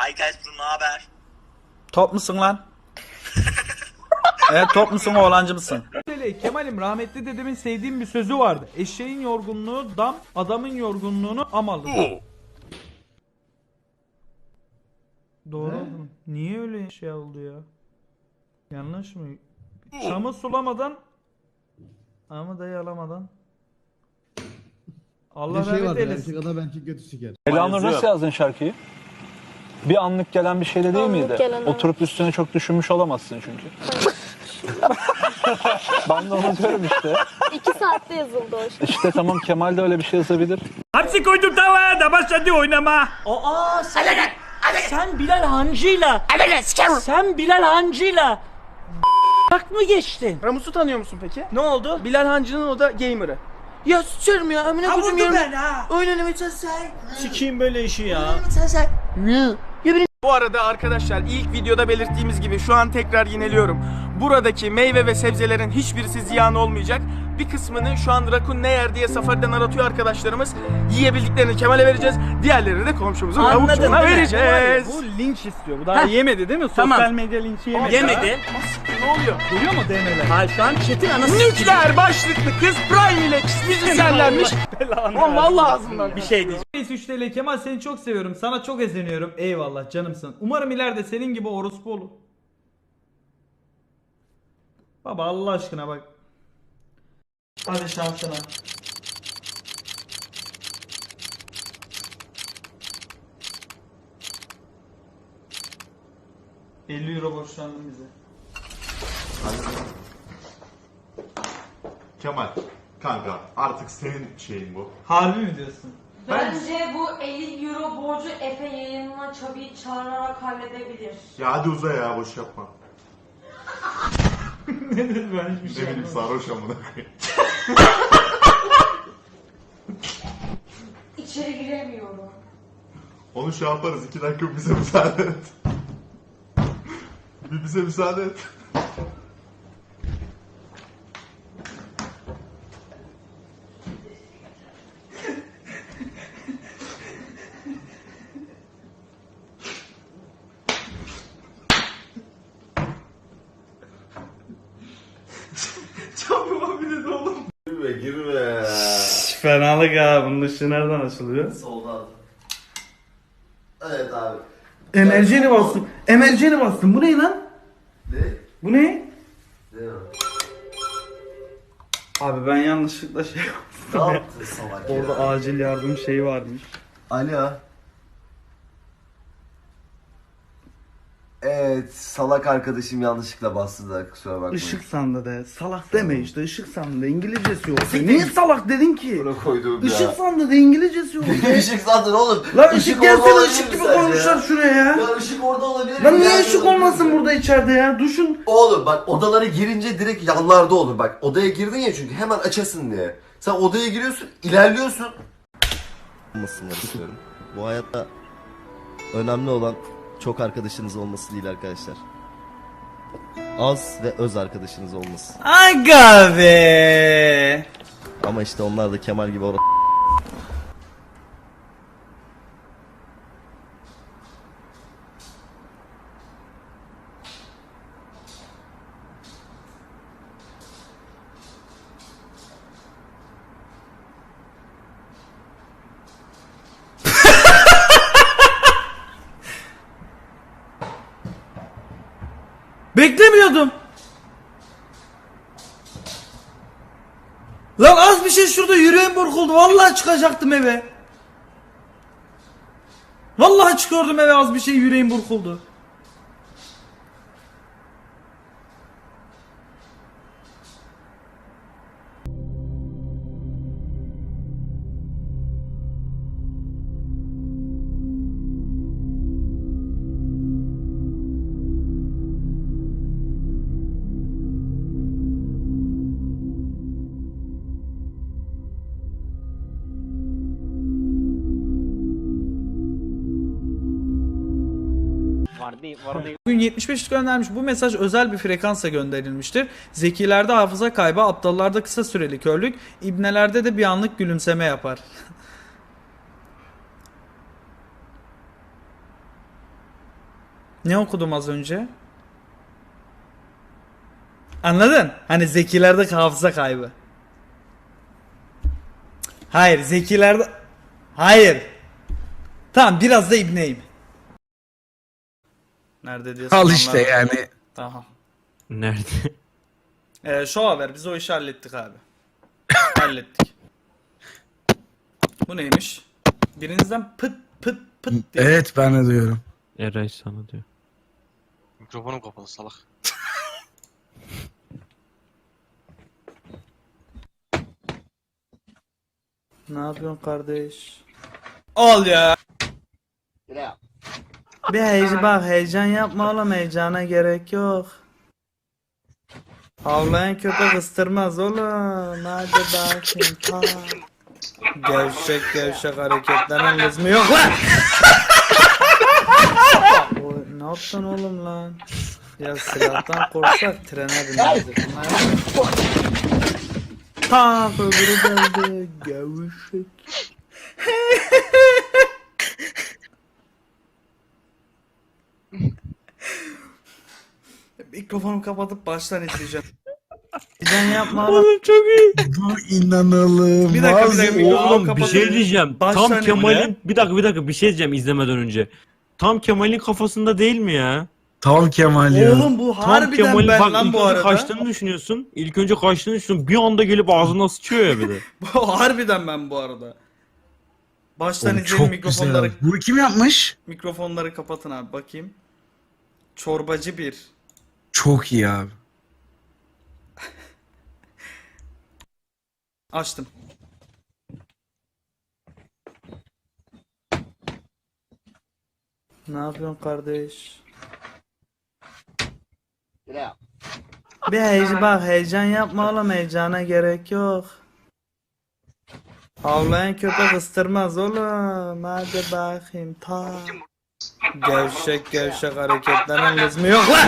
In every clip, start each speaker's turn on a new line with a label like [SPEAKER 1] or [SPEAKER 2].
[SPEAKER 1] Hi guys bro, ne haber?
[SPEAKER 2] Top musun lan? Evet, top musun, oğlancı mısın? Kemal'im, rahmetli dedemin sevdiğim bir sözü vardı. Eşeğin yorgunluğu dam, adamın yorgunluğunu am alır. Doğru oldu mu? Niye öyle şey oldu ya? Yanlış mı? Çamı sulamadan ama dayı alamadan. Allah
[SPEAKER 3] Bir şey
[SPEAKER 2] rahmet
[SPEAKER 3] vardır,
[SPEAKER 2] eylesin.
[SPEAKER 3] erkek adam erkek götü siker.
[SPEAKER 4] Elanur nasıl yazdın şarkıyı? Bir anlık gelen bir şey de değil
[SPEAKER 5] Anlık
[SPEAKER 4] miydi?
[SPEAKER 5] gelen, evet.
[SPEAKER 4] Oturup üstüne çok düşünmüş olamazsın çünkü. Ben de onu diyorum işte.
[SPEAKER 5] 2 saatte yazıldı o şey.
[SPEAKER 4] İşte tamam, Kemal de öyle bir şey yazabilir.
[SPEAKER 2] Hamsi koydum tavaya da başladı oynama. Aa sen Bilal Hancı'yla sen Bilal Hancı'yla bak mı geçtin?
[SPEAKER 6] Ramus'u tanıyor musun peki?
[SPEAKER 2] Ne oldu?
[SPEAKER 6] Bilal Hancı'nın o da gamer'ı. Ya sıçarım ya. Amına koydum yerim. Oynamayı çalışsın.
[SPEAKER 2] Sikiyim böyle işi ya.
[SPEAKER 6] Bu arada arkadaşlar, ilk videoda belirttiğimiz gibi şu an tekrar yineliyorum. Buradaki meyve ve sebzelerin hiçbirisi ziyan olmayacak. Bir kısmını şu an Rakun ne yer diye safariden aratıyor arkadaşlarımız. Yiyebildiklerini Kemal'e vereceğiz. Diğerlerini de komşumuzun avuçlarına vereceğiz.
[SPEAKER 2] Bu linç istiyor. Bu daha yemedi değil mi?
[SPEAKER 6] Tamam.
[SPEAKER 2] Sosyal medya linçi yemedi.
[SPEAKER 6] Yemedi. Ne oluyor?
[SPEAKER 2] Görüyor mu DM'ler?
[SPEAKER 6] Hayır, şu an chat'in anası. Nükleer başlıklı kız Prime ile müzisyenlenmiş. Oğlum vallahi ağzımdan.
[SPEAKER 2] Bir şey diyeceğim. 3 TL Kemal, seni çok seviyorum. Sana çok özeniyorum. Eyvallah canımsın. Umarım ileride senin gibi orospu olur. Baba Allah aşkına bak. Hadi şansına. €50 borçlandın bize.
[SPEAKER 7] Kemal, kanka artık senin şeyin bu.
[SPEAKER 2] Harbi mi diyorsun?
[SPEAKER 8] Bence bu 50 euro borcu Efe yayınına Çabi'yi çağırarak halledebilir.
[SPEAKER 7] Ya hadi uza ya, boş yapma.
[SPEAKER 2] Nedir ben hiçbir şey
[SPEAKER 7] Ne bileyim, sarhoş amına koyayım.
[SPEAKER 8] İçeri giremiyorum.
[SPEAKER 7] Onu şey yaparız, 2 dakika bize müsaade et. Bir bize müsaade et.
[SPEAKER 2] Çabuk bir de oğlum.
[SPEAKER 7] Girme.
[SPEAKER 2] Fenalık ha, bunun ışığı nereden açılıyor?
[SPEAKER 9] Soldan. Evet abi.
[SPEAKER 2] Emerjeni bastım. Emerjeni bastım. Bu ne lan?
[SPEAKER 9] Ne?
[SPEAKER 2] Bu ne?
[SPEAKER 9] Ne o?
[SPEAKER 2] Abi ben yanlışlıkla şey
[SPEAKER 9] Ne yaptın salak ya?
[SPEAKER 2] orada acil yardım şeyi varmış.
[SPEAKER 9] Alo. Evet, salak arkadaşım yanlışlıkla bastı da kusura bakmayın.
[SPEAKER 2] Işık sandı de. Salak deme işte. Işık sandı de. İngilizcesi yok. Niye salak dedin ki?
[SPEAKER 9] Buna koyduğum ya.
[SPEAKER 2] Işık sandı de. İngilizcesi yok.
[SPEAKER 9] Ne ışık sandın oğlum?
[SPEAKER 2] Lan ışık
[SPEAKER 9] orada
[SPEAKER 2] gelsene,
[SPEAKER 9] olabilir
[SPEAKER 2] ışık
[SPEAKER 9] mi
[SPEAKER 2] gibi
[SPEAKER 9] sence
[SPEAKER 2] koymuşlar
[SPEAKER 9] ya?
[SPEAKER 2] şuraya ya.
[SPEAKER 9] Ya ışık orada olabilir mi?
[SPEAKER 2] Lan niye
[SPEAKER 9] Yerde
[SPEAKER 2] ışık
[SPEAKER 9] olabilir
[SPEAKER 2] olmasın
[SPEAKER 9] mi?
[SPEAKER 2] burada içeride ya? Duşun.
[SPEAKER 9] Oğlum bak, odalara girince direkt yanlarda olur bak. Odaya girdin ya, çünkü hemen açasın diye. Sen odaya giriyorsun, ilerliyorsun.
[SPEAKER 10] Olmasınlar istiyorum. Bu hayatta önemli olan çok arkadaşınız olması değil arkadaşlar. Az ve öz arkadaşınız olması.
[SPEAKER 2] Aga be.
[SPEAKER 10] Ama işte onlar da Kemal gibi orada.
[SPEAKER 2] Beklemiyordum. Lan az bir şey şurada yüreğim burkuldu. Vallahi çıkacaktım eve. Vallahi çıkıyordum eve, az bir şey yüreğim burkuldu. Bugün 75 göndermiş. Bu mesaj özel bir frekansa gönderilmiştir. Zekilerde hafıza kaybı, aptallarda kısa süreli körlük, ibnelerde de bir anlık gülümseme yapar. Ne okudum az önce? Anladın? Hani zekilerde hafıza kaybı. Hayır, zekilerde... Hayır. Tamam, biraz da ibneyim. Nerede diye
[SPEAKER 1] Al
[SPEAKER 2] soranlar
[SPEAKER 1] işte
[SPEAKER 2] var.
[SPEAKER 1] yani.
[SPEAKER 2] Tamam.
[SPEAKER 1] Nerede?
[SPEAKER 2] Şu haber, biz o işi hallettik abi. Hallettik. Bu neymiş? Birinizden pıt pıt pıt diye.
[SPEAKER 1] Evet ben de duyuyorum.
[SPEAKER 3] Eray sana diyor.
[SPEAKER 11] Mikrofonum kapalı salak.
[SPEAKER 2] Ne yapıyorsun kardeş? Al ya. Bir heyecan yapma oğlum, heyecana gerek yok. Havlayan köpek ıstırmaz oğlum. Hadi bakayım. Ta. Gevşek hareketlerin lüzumu yok lan. Ne yaptın oğlum lan? Ya silahtan korksak trene binerdik. Ta öbürü geldi. Gevşek. Mikrofonu kapatıp baştan izleyeceğim. Neden yapma oğlum.
[SPEAKER 3] Çok iyi.
[SPEAKER 1] Bu inanılmaz.
[SPEAKER 2] Bir dakika, mikrofonu
[SPEAKER 3] Oğlum bir
[SPEAKER 2] kapatıp
[SPEAKER 3] şey diyeceğim.
[SPEAKER 2] baştan
[SPEAKER 3] Tam
[SPEAKER 2] izle.
[SPEAKER 3] Kemal'in bir dakika bir şey diyeceğim izlemeden önce. Tam Kemal'in kafasında değil mi ya?
[SPEAKER 1] Tam Kemal ya.
[SPEAKER 2] Oğlum bu
[SPEAKER 3] Tam
[SPEAKER 2] harbiden
[SPEAKER 3] Kemal'in
[SPEAKER 2] ben
[SPEAKER 3] bak
[SPEAKER 2] lan
[SPEAKER 3] ilk
[SPEAKER 2] bu
[SPEAKER 3] önce
[SPEAKER 2] arada.
[SPEAKER 3] kaçtığını düşünüyorsun. İlk önce kaçtığını düşünüyorsun. Bir anda gelip ağzına sıçıyor ya bir de.
[SPEAKER 2] Bu harbiden ben bu arada. Baştan
[SPEAKER 1] Oğlum,
[SPEAKER 2] izleyin,
[SPEAKER 1] çok
[SPEAKER 2] mikrofonları
[SPEAKER 1] güzel. Bu kim yapmış?
[SPEAKER 2] mikrofonları kapatın abi, bakayım. Çorbacı bir.
[SPEAKER 1] Çok iyi abi.
[SPEAKER 2] Açtım. Ne yapıyorsun kardeş? Bir heyecan yapma oğlum, heyecana gerek yok. Havlayan köpek ıstırmaz oğlum. Hadi bakayım. Ta. Gevşek hareketlerin lüzumu yok lan.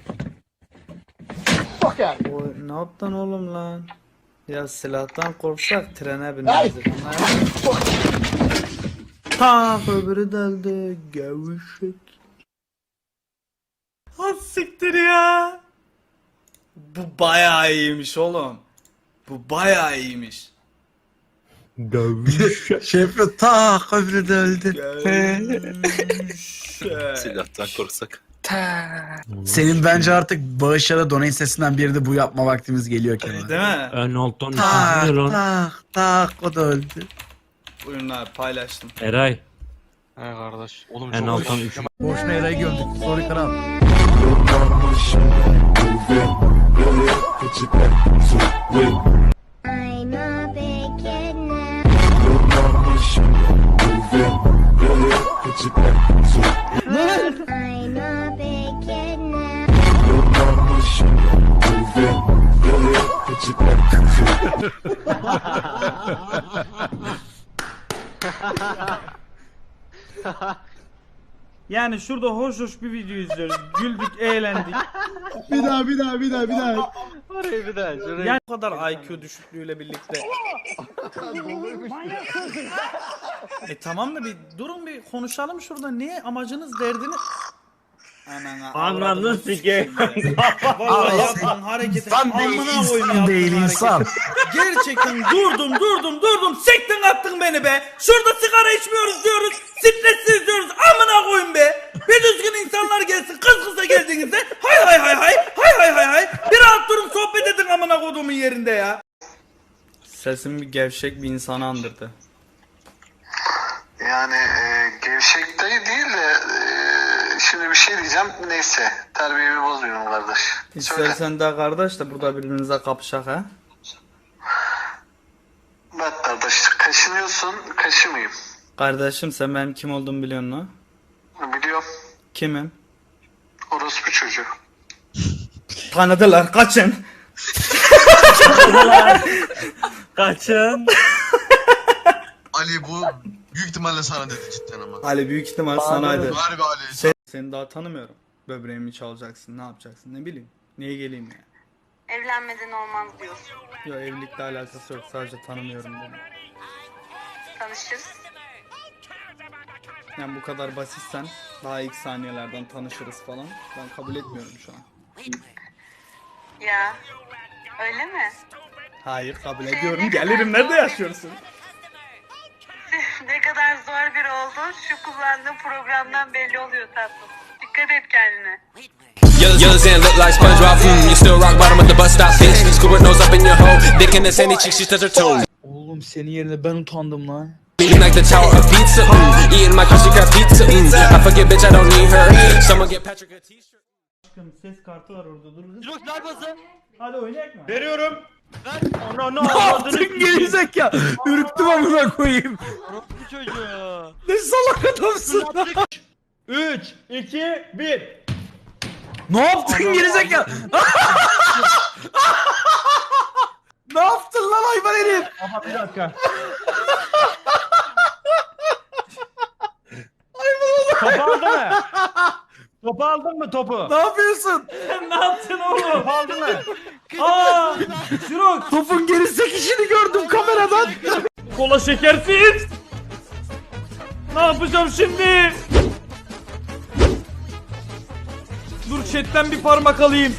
[SPEAKER 2] Ne yaptın oğlum lan? Ya silahtan korksak trene binerdik. Ta öbürü deldi. Gevşek. Ha siktir ya. Bu bayağı iyiymiş oğlum. Bu bayağı iyiymiş.
[SPEAKER 1] Şey yapıyor. Ta öbürü de öldü.
[SPEAKER 2] Gevşek.
[SPEAKER 11] Silahtan korksak.
[SPEAKER 1] Senin bence artık bağışlara donate sesinden biri de bu yapma vaktimiz geliyor Kemal.
[SPEAKER 2] Değil mi?
[SPEAKER 3] En alttan
[SPEAKER 1] Tak
[SPEAKER 3] üçüncü lan.
[SPEAKER 1] tak o da öldü.
[SPEAKER 2] Buyurun abi, paylaştım.
[SPEAKER 3] Eray.
[SPEAKER 11] He kardeş. Oğlum
[SPEAKER 3] En
[SPEAKER 11] çok
[SPEAKER 3] alttan
[SPEAKER 11] hoş.
[SPEAKER 3] üçüncü.
[SPEAKER 1] Boşuna Eray'ı gömdük. Sorry kral.
[SPEAKER 5] I'm a big kid now. I'm a big kid now.
[SPEAKER 2] Yani şurada hoş bir video izliyoruz. Güldük, eğlendik.
[SPEAKER 1] Bir daha.
[SPEAKER 2] Yani bu kadar IQ düşüklüğüyle birlikte. Tamam da bir durun, bir konuşalım şurada. Niye, amacınız, derdiniz?
[SPEAKER 3] Ananı sikeyim.
[SPEAKER 2] Vallahi yaptığın hareketi
[SPEAKER 1] İnsan değil,
[SPEAKER 2] amına koyayım
[SPEAKER 1] insan
[SPEAKER 2] yaptığın
[SPEAKER 1] değil,
[SPEAKER 2] hareketi.
[SPEAKER 1] insan.
[SPEAKER 2] Gerçekten durdum. Siktin attın beni be. Şurada sigara içmiyoruz diyoruz. Stressiz diyoruz. Amına koyayım be. Bir düzgün insanlar gelsin. Kız kıza geldiğinizde hay. Bir rahat durun, sohbet edin amına koyduğumun yerinde ya. Sesim bir gevşek bir insanı andırdı.
[SPEAKER 12] Yani gevşek dayı değil de şimdi bir şey diyeceğim. Neyse, terbiyemi bozmuyorum kardeş. Söyle.
[SPEAKER 2] İstersen de kardeş de burada birbirinize kapışak ha.
[SPEAKER 12] Bak kardeş, kaşınıyorsun, kaşımayayım.
[SPEAKER 2] Kardeşim, sen benim kim olduğumu biliyorsun mu?
[SPEAKER 12] Biliyorum.
[SPEAKER 2] Kimim?
[SPEAKER 12] Orospu çocuğu.
[SPEAKER 2] Tanıdılar, kaçın.
[SPEAKER 3] Kaçın.
[SPEAKER 7] Ali bu büyük ihtimalle sana dedi cidden ama.
[SPEAKER 2] Ali büyük ihtimal sanaydı.
[SPEAKER 7] Harbi Ali.
[SPEAKER 2] Seni daha tanımıyorum. Böbreğimi çalacaksın, ne yapacaksın, ne bileyim. Niye geleyim ya?
[SPEAKER 8] Evlenmeden olmaz diyorsun.
[SPEAKER 2] Yok, evlilikle alakası yok, sadece tanımıyorum dedim.
[SPEAKER 8] Tanışırız.
[SPEAKER 2] Yani bu kadar basitsen daha ilk saniyelerden tanışırız falan. Ben kabul etmiyorum şu an.
[SPEAKER 8] Ya öyle mi?
[SPEAKER 2] Hayır kabul ediyorum. Gelirim, nerede yaşıyorsun?
[SPEAKER 8] Ne kadar zor biri olduğun şu kullandığın programdan belli oluyor tatlım. Dikkat et kendine.
[SPEAKER 13] Yours and look like SpongeBob. You still rock bottom of the bus stop, bitch. Scuba nose up in your hole. Dick in the sandy cheek, she touch her toes.
[SPEAKER 2] Oğlum senin yerine ben utandım lan.
[SPEAKER 13] Eating like the tower of pizza. Eating my crusty crab pizza. I forget, bitch, I don't need her. Someone get Patrick a t-shirt.
[SPEAKER 2] Ses kartı var orada, dur.
[SPEAKER 11] Yok neredesin?
[SPEAKER 2] Hadi oynayak mı?
[SPEAKER 3] Veriyorum.
[SPEAKER 11] No
[SPEAKER 1] Ne yaptın gerizekalı? Ürktüm amına koyayım.
[SPEAKER 11] Bu çocuğu.
[SPEAKER 1] Ne salak adamsın.
[SPEAKER 2] 3, 2, 1.
[SPEAKER 1] Ne yaptın gerizekalı? Ne yaptın lan hayvan herif?
[SPEAKER 2] Aha bir dakika.
[SPEAKER 3] Topu aldın mı? Topu aldın mı topu?
[SPEAKER 1] Ne yapıyorsun?
[SPEAKER 2] Ne yaptın oğlum?
[SPEAKER 3] Topu aldın mı?
[SPEAKER 2] Aa! Şurok!
[SPEAKER 1] Topun geri sekişini gördüm kameradan.
[SPEAKER 2] Kola şekersiz! Ne yapacağım şimdi? Dur chatten bir parmak alayım.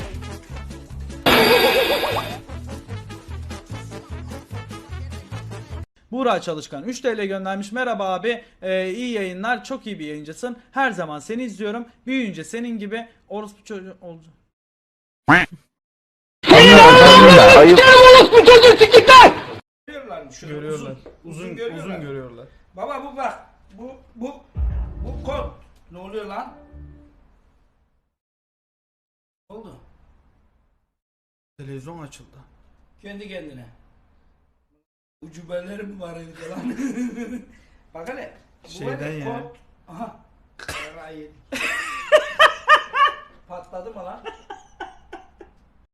[SPEAKER 2] Buğra Çalışkan 3 TL göndermiş. Merhaba abi. İyi yayınlar. Çok iyi bir yayıncısın. Her zaman seni izliyorum. Büyüyünce senin gibi orospu çocuğu olacağım. Görüyorlar. Uzun görüyorlar.
[SPEAKER 14] Baba bu bak. Bu kod. Ne oluyor lan? Ne oldu?
[SPEAKER 2] Televizyon açıldı.
[SPEAKER 14] Kendi kendine. Ucubeleri mi var evde lan? Bak hele. Bu
[SPEAKER 2] Şeyden
[SPEAKER 14] böyle
[SPEAKER 2] ya.
[SPEAKER 14] kod. Aha. Yarayı. Patladı mı lan?